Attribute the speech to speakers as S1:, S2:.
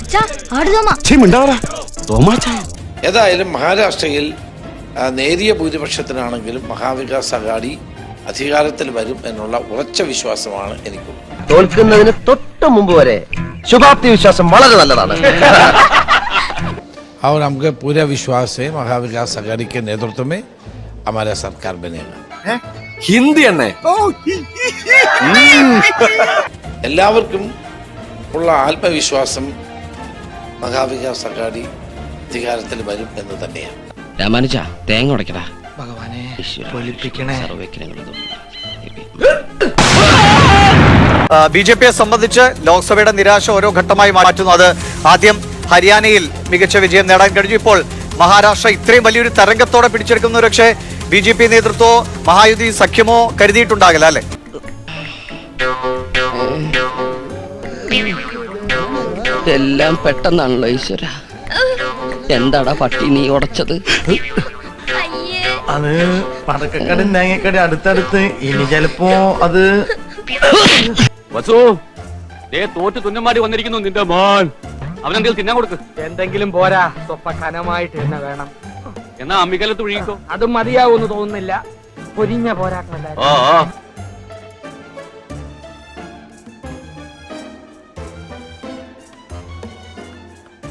S1: ഏതായാലും മഹാരാഷ്ട്രയിൽ നേരിയ ഭൂരിപക്ഷത്തിനാണെങ്കിലും മഹാവികാസ് അഘാടി അധികാരത്തിൽ വരും എന്നുള്ള ഉറച്ച വിശ്വാസമാണ് എനിക്കുള്ളത്.
S2: തോൽക്കുന്നതിന് തൊട്ട് മുമ്പ് വരെ ശുഭാപ്തി വിശ്വാസം വളരെ നല്ലതാണ്.
S1: और हमको पूरा विश्वास है महाविकास अघाड़ी के नेतृत्व में हमारा सरकार बनेगा.
S2: ഹിന്ദി എന്നെ
S1: എല്ലാവർക്കും ഉള്ള ആത്മവിശ്വാസം മഹാവികാസ് അഘാടി അധികാരത്തിൽ വരും എന്ന് തന്നെയാണ്.
S3: രാമാനുജ തേങ്ങ ഉടക്കടാ.
S2: ഭഗവാനെ
S4: ബി ജെ പിയെ സംബന്ധിച്ച് ലോക്സഭയുടെ നിരാശ ഓരോ ഘട്ടമായി മാറ്റുന്നു. അത് ആദ്യം ഹരിയാനയിൽ മികച്ച വിജയം നേടാൻ കഴിഞ്ഞു. ഇപ്പോൾ മഹാരാഷ്ട്ര ഇത്രയും വലിയൊരു തരംഗത്തോടെ പിടിച്ചെടുക്കുന്ന പക്ഷേ ബി ജെ പി നേതൃത്വമോ മഹായുതി സഖ്യമോ കരുതിയിട്ടുണ്ടാകില്ല അല്ലെ?
S3: എല്ലാം പെട്ടെന്നാണല്ലോ ഈശ്വര. എന്താടാ പട്ടി നീ ഉടച്ചത്?
S5: അത് പടക്കക്കട തേങ്ങക്കട അടുത്തടുത്ത്. ഇനി ചിലപ്പോ അത്
S6: തോറ്റ് തുന്നമാടി വന്നിരിക്കുന്നു നിന്റെ മോൻ. അവനെന്തെങ്കിലും തിന്നാൻ കൊടുക്ക്.
S7: എന്തെങ്കിലും പോരാ, സ്വപ്പ കനമായിട്ട് തന്നെ വേണം.
S6: എന്നാ അമ്മിക്കലത്ത് ഒഴുകിക്കോ.
S7: അതും മതിയാവൂന്ന് തോന്നുന്നില്ല. പൊരിഞ്ഞ പോരാക്കണല്ല.